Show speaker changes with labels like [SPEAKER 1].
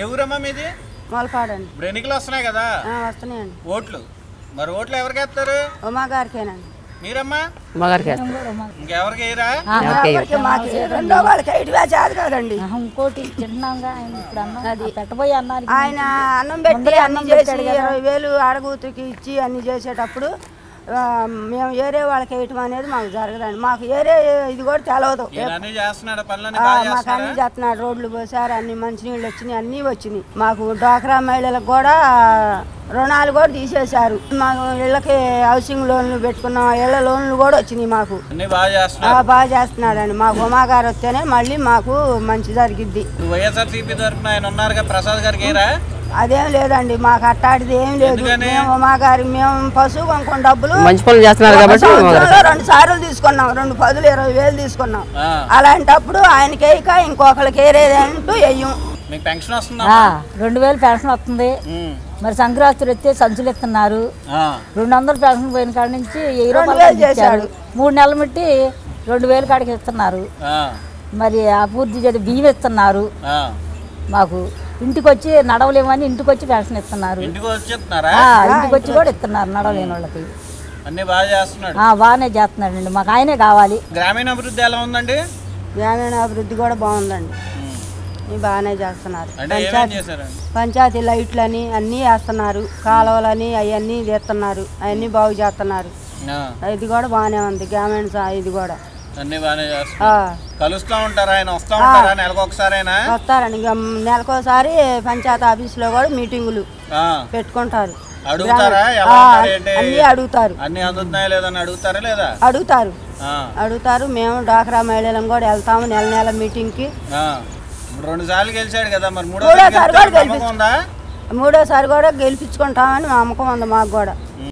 [SPEAKER 1] ఎవరమ్మా మీది?
[SPEAKER 2] మొలపాడండి.
[SPEAKER 1] ఇప్పుడు ఎన్నికలు వస్తున్నాయి కదా?
[SPEAKER 2] వస్తున్నాయండి
[SPEAKER 1] ఓట్లు. మరి ఓట్లు ఎవరికి వేస్తారు?
[SPEAKER 2] ఉమా గారికేనండి.
[SPEAKER 1] మీరమ్మా? ఇంకెవరికి వేయరా?
[SPEAKER 2] రెండో వాళ్ళకి వేసేది కాదండి.
[SPEAKER 3] ఇంకోటి తిన్నాంగా పెట్టబోయి అన్నారు.
[SPEAKER 2] ఆయన అన్నం పెట్టి అన్ని చేసి 20,000 ఆడగూతుకి ఇచ్చి అన్ని చేసేటప్పుడు మేము ఏరే వాళ్ళకి వేయటం అనేది మాకు జరగదండి. మాకు ఏరే ఇది కూడా తెలవదు. మాకు అన్ని చేస్తున్నాడు. రోడ్లు పోసారు, అన్ని మంచినీళ్ళు వచ్చినాయి, అన్నీ వచ్చినాయి. మాకు డ్వాక్రా మహిళలకు కూడా రుణాలు కూడా తీసేశారు. మాకు ఇళ్ళకి హౌసింగ్ లోన్లు పెట్టుకున్నాం, ఇళ్ళ లోన్లు కూడా వచ్చినాయి. మాకు బాగా చేస్తున్నాడండి. మాకు ఉమా గారు వస్తేనే మళ్ళీ మాకు మంచి జరిగిద్ది. అదేం లేదండి, మాకు అట్టాడిది ఏం లేదు. మేము మా గారి మేము పశువు కొనుక్కున్న డబ్బులు 2 సార్లు తీసుకున్నాం. 2 10,000 20,000 తీసుకున్నాం. అలాంటప్పుడు ఆయనకి వేయక ఇంకొకరికి వేరేదంటూ వేయం.
[SPEAKER 3] 2,000 పెన్షన్ వస్తుంది. మరి సంక్రాంతి వస్తే సంచులు ఇస్తున్నారు. 200 పెన్షన్ పోయిన కాడి నుంచి 1000 చేశాడు. 3 నెలలు బట్టి 2,000 కాడికి ఇస్తున్నారు. మరి అభివృద్ధి చేసి బియ్యం ఇస్తున్నారు. మాకు ఇంటికి వచ్చి నడవలేమని ఇంటికి వచ్చి పెన్షన్ ఇస్తున్నారు. ఇంటికి వచ్చి కూడా ఇస్తున్నారు నడవలేని వాళ్ళకి. బాగానే చేస్తున్నాడండి. మాకు ఆయనే కావాలి.
[SPEAKER 1] గ్రామీణ అభివృద్ధి ఎలా ఉందండి?
[SPEAKER 2] గ్రామీణ అభివృద్ధి కూడా బాగుందండి. బాగానే చేస్తున్నారు. పంచాయతీ లైట్లని అన్నీ వేస్తున్నారు. కాలువలని అవన్నీ చేస్తున్నారు. అవన్నీ బాగు చేస్తున్నారు. ఇది కూడా బాగానే ఉంది. గ్రామీణ ఇది కూడా వస్తారండి. నెలకోసారి పంచాయతీ ఆఫీస్ లో కూడా మీటింగులు పెట్టుకుంటారు. అన్ని అడుగుతారు. మేము డ్వాక్రా మహిళలను కూడా వెళ్తాము నెల మీటింగ్ కి.
[SPEAKER 1] 2 సార్లు గెలిచాడు కదా, మరి
[SPEAKER 2] మూడోసారి కూడా గెలిపించుకుంటామని నమ్మకం ఉంది మాకు కూడా.